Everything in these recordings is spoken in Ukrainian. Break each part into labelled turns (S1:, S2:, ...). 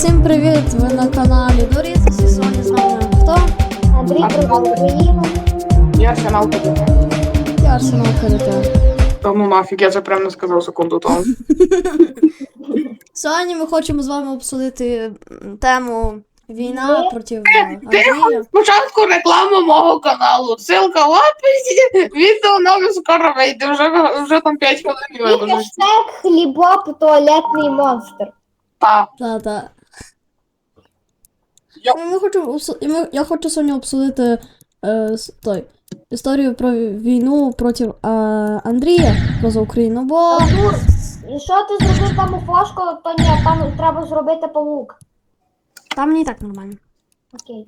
S1: Всім привіт! Ви на каналі Доріс. І сьогодні з нами хто?
S2: Андрій про Україну.
S3: Я Арсенал КДТ.
S1: Я Арсенал КДТ.
S3: Та ну нафіг, я це прям не сказав секунду тому.
S1: Сьогодні ми хочемо з вами обсудити тему війна проти
S3: Тихо,
S1: Андрія.
S3: спочатку реклама мого каналу. Ссылка в описі. Відео нове скоро вийде, вже там 5 хвилин
S2: І
S3: виложить.
S2: хештег хлібоп туалетний монстр.
S3: Та.
S1: Та.
S3: Я-
S1: Я хочу сьогодні обсудити історію про війну проти Андрія поза Україну, бо
S2: Артур, і що ти зробив там у фошку, то ні, там треба зробити павук.
S1: там не і так нормально.
S2: Окей.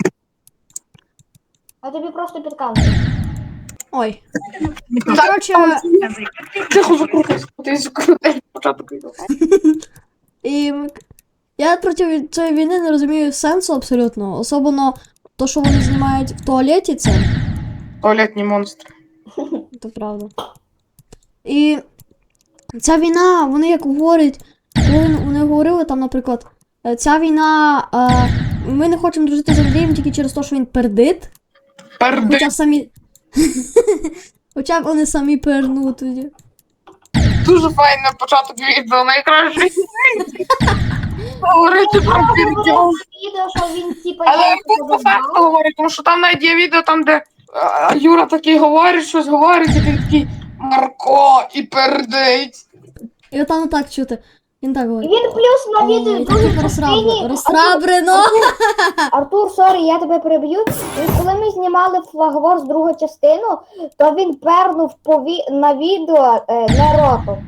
S2: А тобі просто підказую.
S1: Ой.
S3: Так,
S1: Коротше,
S3: Тихо, закрутись початок відео.
S1: і я проти цієї війни не розумію сенсу абсолютно. Особливо то, що вони знімають в туалеті, це
S3: Туалетні монстри.
S1: правда. І ця війна, вони як говорять, коли вони говорили там, наприклад, ця війна, ми не хочемо дружити з Андрієм тільки через те, що він пердит.
S3: Перди.
S1: Хоча самі. Хоча б вони самі пернуть тоді.
S3: Дуже файний початок відео, найкращий. Говорити про пердьол.
S2: Відео, що він типа
S3: Але
S2: я
S3: він по факту говорить, тому що там навіть є відео, там, де Юра такий говорить, щось говорить, і він такий Марко і пердить.
S1: І отам так чути. Він так говорить.
S2: Він плюс на відео в другій частині.
S1: Розсрабрено!
S2: Артур, сорі, я тебе переб'ю. І коли ми знімали флагвор з другу частину, то він пернув на відео не ротом.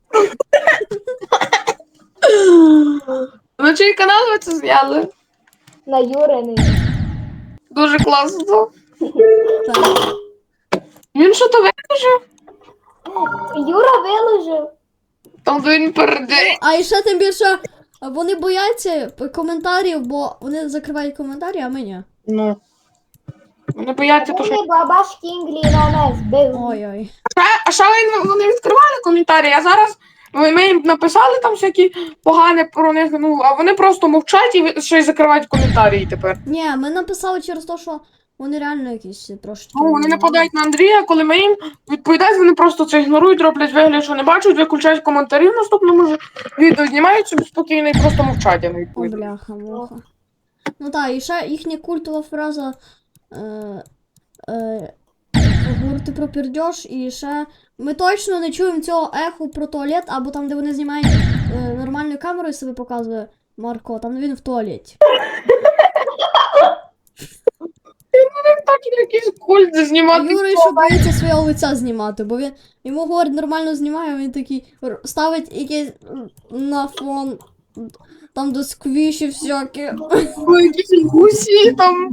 S3: На чий канал ви це зняли?
S2: На Юриний.
S3: Дуже класно.
S1: Так.
S3: Він що то виложив?
S2: Юра виложив.
S3: Там де він пердить.
S1: А і ще тим більше вони бояться коментарів, бо вони закривають коментарі, а ми ні.
S3: Ну. Вони бояться, то що.
S2: Вони бабаш Кінглі на нас бив.
S1: Ой-ой.
S3: А що вони відкривали коментарі, а зараз ми їм написали там всякі погані про них, ну, а вони просто мовчать і ще й закривають коментарі тепер.
S1: Ні, ми написали через те, що вони реально якісь трошки.
S3: Ну, вони нападають на Андрія, коли ми їм відповідають, вони просто це ігнорують, роблять вигляд, що не бачать, виключають коментарі в наступному ж відео, знімають собі спокійно і просто мовчать, а не
S1: О,
S3: відповідають.
S1: бляха-муха. Ну так, і ще їхня культова фраза говорити про пердьош, і ще ми точно не чуємо цього еху про туалет, або там, де вони знімають нормальною камерою себе показує Марко, там він в туалеті.
S3: Так якийсь культ знімати.
S1: Юра ще боїться свого лиця знімати, бо він йому говорить нормально знімає, а він такий ставить якийсь на фон, там до сквіші всякі.
S3: Ой, якісь гусі там.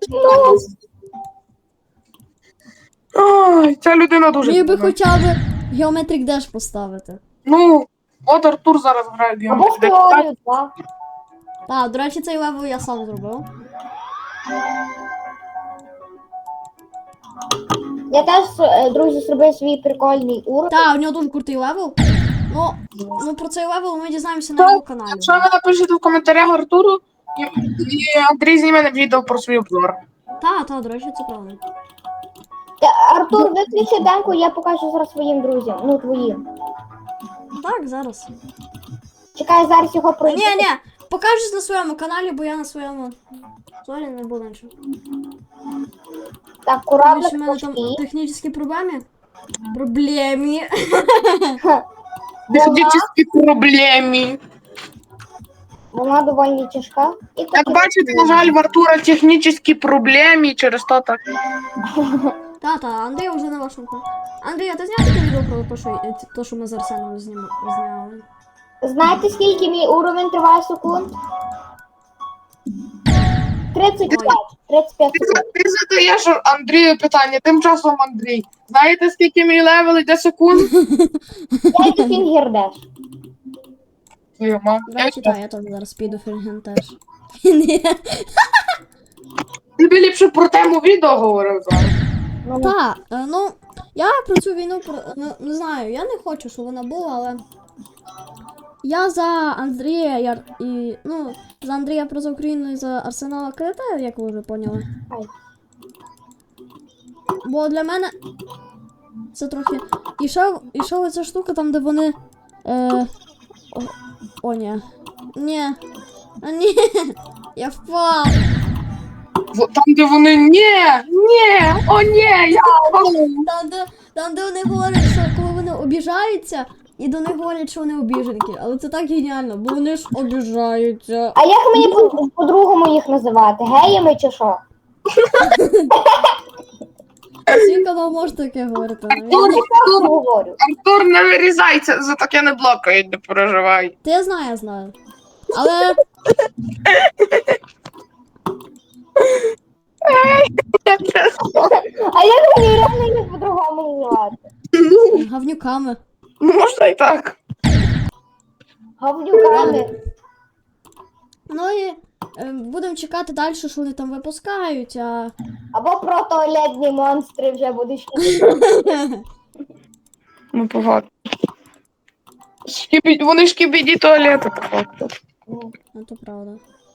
S3: Ой, ця людина дуже.
S1: Міг би
S3: дивна.
S1: хоча б Geometric Dash поставити.
S3: Ну, от Артур зараз грає в
S2: Або в теорію 2.
S1: Так, до речі, цей левел я сам зробив.
S2: Я теж, друзі, зробив свій прикольний уровень.
S1: Так, у нього дуже крутий левел. Ну про цей левел ми дізнаємося на його каналі.
S3: Якщо ви напишете в коментарях Артуру, і Андрій зніме відео про свій обзор.
S1: Так, до речі, це правда.
S2: Артур, виключи демку, я покажу зараз своїм друзям. Ну, твоїм.
S1: Так, зараз.
S2: Чекай, зараз його пройду.
S1: Ні, покажеш на своєму каналі, бо я на своєму зорі не буду нічого.
S2: Так,
S1: Тому
S2: кораблик
S1: що в мене там
S2: пошли.
S1: технічні проблеми. Проблемі.
S3: Технічні проблеми.
S2: Вона доволі тяжка. І
S3: Як
S2: так,
S3: бачите, на жаль, в Артура технічні проблеми, через то так.
S1: Та, Андрій вже на вашому каналі. Андрій, а ти зняв таке відео про те, що ми з Арсеном зняли?
S2: знаєте, скільки мій уровень триває секунд? 35. 35 секунд.
S3: Ти задаєш Андрію питання, тим часом Андрій. Знаєте, скільки мій левел йде секунд?
S2: Я йду фінгердеш.
S3: Твою маму.
S1: До речі, так, я теж зараз піду фільген теж. Ні.
S3: Ти б ліпше про тему відео говорив зараз.
S1: Так, ну, я про цю війну, не знаю, я не хочу, щоб вона була, але Я за Андрія за Андрія про Україну і за Арсенала КДТ, як ви вже поняли.
S2: Ай.
S1: Бо для мене це трохи. І ще оця штука там, де вони. Ні. Ні. А, ні. Я впав.
S3: Там, де вони о ні, я впав.
S1: Там, де вони говорять, що коли вони обіжаються, і до них говорять, що вони обіженки. Але це так геніально, бо вони ж обіжаються.
S2: А як мені по-другому їх називати? Геями чи що?
S1: Свій канал може таке говорити.
S2: Я так говорю.
S3: Артур, не вирізайся, за таке не блокають, не переживай.
S1: Та я знаю. Але
S2: А як мені реально їх по-другому називати?
S1: гавнюками.
S3: Можна і так.
S2: Говнюками.
S1: Ну і будемо чекати далі, що вони там випускають, а.
S2: Або про туалетні монстри вже будуть.
S3: Ну, по факту. Вони шкібіді туалети, по факту.
S1: Ну, то правда.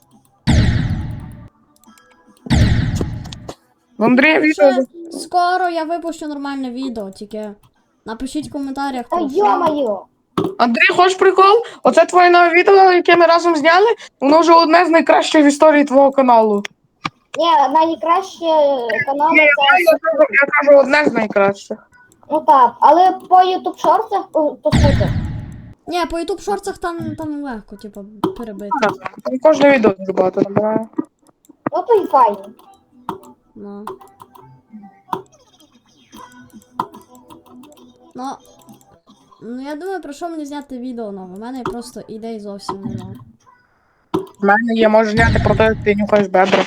S3: В Андрія відео.
S1: Ще скоро я випущу нормальне відео, тільки напишіть в коментарях.
S2: Та
S1: про що.
S2: йо-моє.
S3: Андрій, хочеш прикол? Оце твоє нове відео, яке ми разом зняли, воно вже одне з найкращих в історії твого каналу.
S2: Ні, найкраще канал
S3: Ні,
S2: це.
S3: я кажу, одне з найкращих.
S2: Ну так, але по YouTube шортах то супер.
S1: Ні, по YouTube шорцах там легко, типу, перебити.
S3: Там кожне відео дуже багато набирає.
S2: Ну то й файно.
S1: Ну. Ну, я думаю, про що мені зняти відео нове. У мене просто ідей зовсім немає.
S3: В мене є, можеш зняти про те, як ти нюхаєш бедра.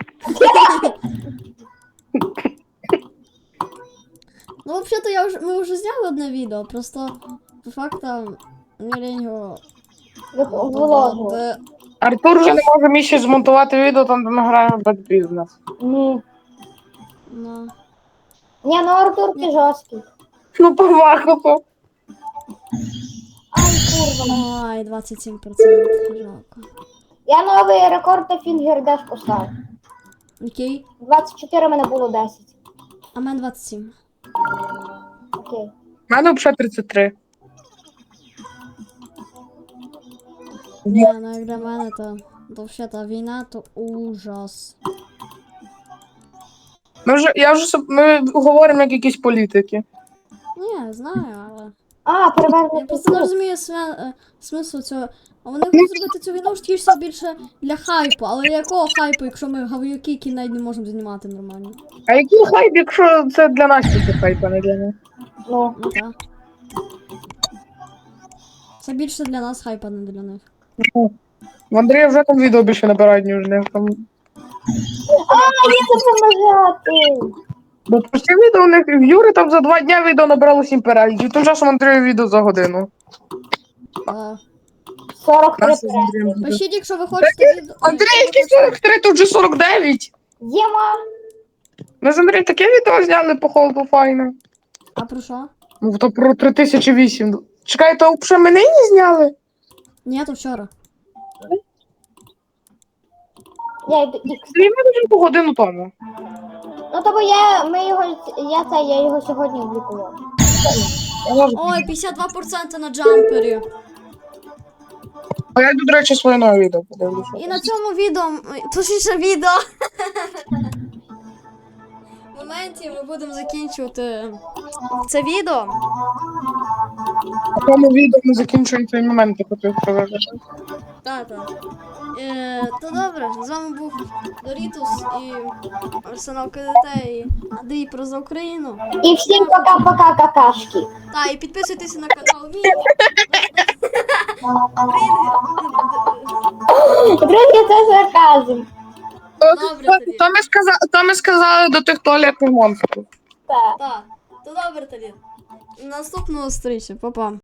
S1: Ну, взагалі-то ми вже зняли одне відео, просто по факту мені лінь його
S2: Вложу.
S1: додати.
S3: Артур вже не може мені ще змонтувати відео, там де ми граємо в Bad Business.
S2: Ні.
S1: Ну.
S2: Ні, ну Артур ти жорсткий.
S3: Ну, по факту.
S2: Ай, курва.
S1: Ай, 27%. Жалко.
S2: Я новий рекорд на фінгердеш поставив.
S1: Окей.
S2: 24 мене було 10.
S1: А в мене 27.
S2: Окей.
S3: У мене взагалі 33.
S1: Ні, ну як для мене, то взагалі війна, то ужас.
S3: Ми говоримо як якісь політики.
S1: Ні, знаю, але.
S2: А,
S1: Я
S2: перевернути.
S1: просто не розумію смислу цього. А вони хочуть зробити цю війну ж тільки більше для хайпу, але якого хайпу, якщо ми гаваюки, які навіть не можемо знімати нормально?
S3: А який хайп, якщо це для нас тільки хайп, а не для них?
S2: Ну.
S1: Ну так. Це більше для нас хайп, а не для них.
S3: В Андрія вже там відео більше набирають, ніж в них. Там...
S2: А, я хочу нажати.
S3: Бо прості відео у них в Юри там за 2 дня відео набрало 7 переглядів, тим часом Андрію відео за годину.
S1: А,
S2: 43
S3: Нас з Андрієм відео.
S1: пишіть, якщо ви хочете відео.
S3: Андрій, який 43, тут вже 49.
S2: Єма.
S3: Ми з Андрієм таке відео зняли по холоду файне.
S1: А про що?
S3: Ну, то про 3008. Чекай, то взагалі ми нині зняли?
S1: Ні, то вчора.
S2: Я йду X.
S3: Андрій, ми вже по годину тому.
S2: Ну тобто я його сьогодні облікував.
S1: Ой, 52% на джампері.
S3: А я йду, до речі, своє нове відео подивлюся.
S1: І на цьому відео, точніше відео. В моменті ми будемо закінчувати це відео.
S3: В тому відео ми закінчуємо цей момент, я хотів сказати.
S1: Так. То добре, з вами був Дорітус і Арсенал КДТ і Андрій про за Україну.
S2: І всім пока-пока какашки.
S1: Та, і підписуйтесь на канал Ві.
S2: Друзі, це сарказм.
S1: Добре тоді.
S3: То ми сказали до тих туалетних монстрів.
S2: Так.
S1: Так, то добре тоді. Наступного зустрічі, па-па.